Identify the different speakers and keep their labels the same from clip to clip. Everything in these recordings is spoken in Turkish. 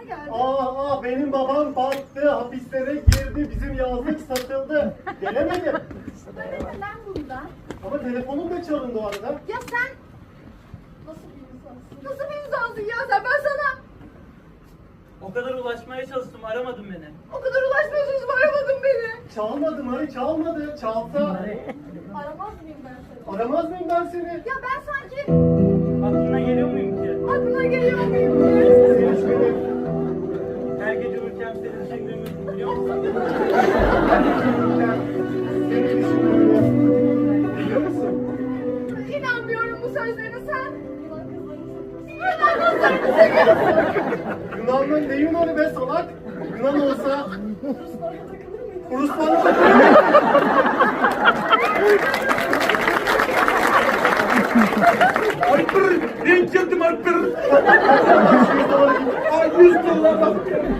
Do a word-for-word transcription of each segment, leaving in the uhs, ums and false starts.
Speaker 1: geldin?
Speaker 2: Aa, aa benim babam battı, hapislere girdi, bizim yazlık satıldı. Gelemedim.
Speaker 1: Öyle lan bundan.
Speaker 2: Ama telefonum da çalındı o arada.
Speaker 1: Ya sen nasıl bir insansın? Nasıl bir insansın ya sen? Ben sana
Speaker 3: O kadar ulaşmaya çalıştım, aramadın beni.
Speaker 1: o kadar ulaşmaya çalıştım, aramadın beni.
Speaker 2: Çalmadı Mari, çalmadı. Çalsa
Speaker 1: Aramaz mıyım ben seni?
Speaker 2: aramaz mıyım ben seni?
Speaker 1: Ya ben sanki
Speaker 3: Aklına geliyor muyum ki?
Speaker 1: aklına geliyor muyum?
Speaker 2: Seni hiç benim.
Speaker 3: Her gece uyurken seni düşündüğümü biliyor musun?
Speaker 2: Seni düşünüyorum. Biliyor musun?
Speaker 1: İnanmıyorum bu sözlerine sen. Yunan kızlarını seviyorsun.
Speaker 2: Yunan'ın ne Yunan'ı be salak? Yunan olsa
Speaker 1: Ruslara takılır mıyım?
Speaker 2: Ruslarla
Speaker 4: Alper, denk geldim Alper. Ay yüz dolar bak.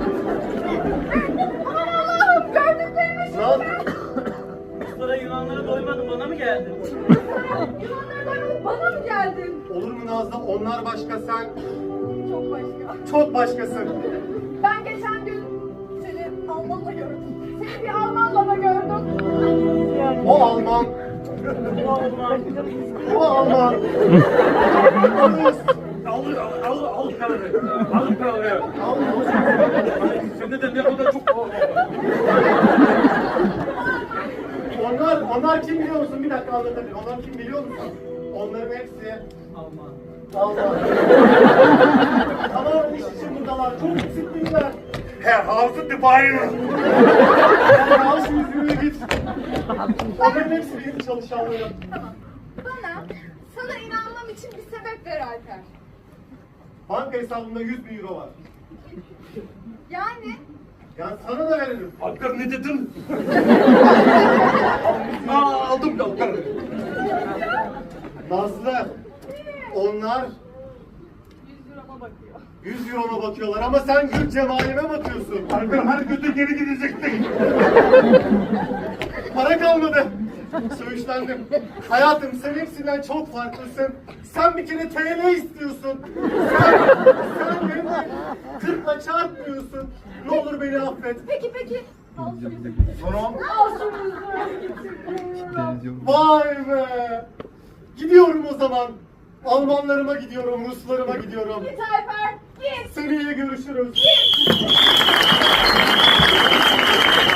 Speaker 1: Aman Allah'ım gördüklerime
Speaker 2: Lan
Speaker 3: Ruslara Yunanlara doymadım, bana mı geldin?
Speaker 1: Yunanlara doymadık bana mı geldin?
Speaker 2: olur mu Nazlı? Onlar başka, sen
Speaker 1: Çok başka.
Speaker 2: çok başkasın.
Speaker 1: Ben geçen gün seni Almanla gördüm. Seni bir Almanla da gördüm.
Speaker 2: O Alman,
Speaker 3: Olmaz.
Speaker 2: o Alman. Rus.
Speaker 4: Al, al, al paraları. Al paraları.
Speaker 2: Alman.
Speaker 4: Sende de ne kadar çok...
Speaker 2: Onlar, onlar kim biliyor musun? Bir dakika anlatabilirim. Onlar kim biliyor musun? Onların hepsi
Speaker 3: Alman.
Speaker 2: Alman. Tamam, iş için buradalar. Çok disiplinler.
Speaker 4: Her hafı tıbayı.
Speaker 2: Yani al şu yüzüğü git. Onların hepsi benim çalışanlarım.
Speaker 1: Tamam. Bana, sana inanmam için bir sebep ver Alper.
Speaker 2: Banka hesabımda yüz bin euro var.
Speaker 1: Yani
Speaker 2: Yani sana da veririm.
Speaker 4: Alper ne dedin? Aa, aldım Alper.
Speaker 2: Nazlı, onlar
Speaker 1: yüz euroma bakıyor.
Speaker 2: yüz euroma bakıyorlar ama sen gül cemalime bakıyorsun.
Speaker 4: Alper her götü geri gidecektin.
Speaker 2: Para kalmadı. Söğüşlendim. Hayatım sen hepsinden çok farklısın. Sen bir kere T L istiyorsun. Sen, sen beni kırkla çarpmıyorsun. Ne olur beni affet.
Speaker 1: Peki peki. Al şu yüzüğü.
Speaker 4: Sonra
Speaker 1: Al şu yüzüğü.
Speaker 2: Vay be. Gidiyorum o zaman. Almanlarıma gidiyorum, Ruslarıma gidiyorum.
Speaker 1: Git Alper. Git.
Speaker 2: Seneye görüşürüz.
Speaker 1: Git.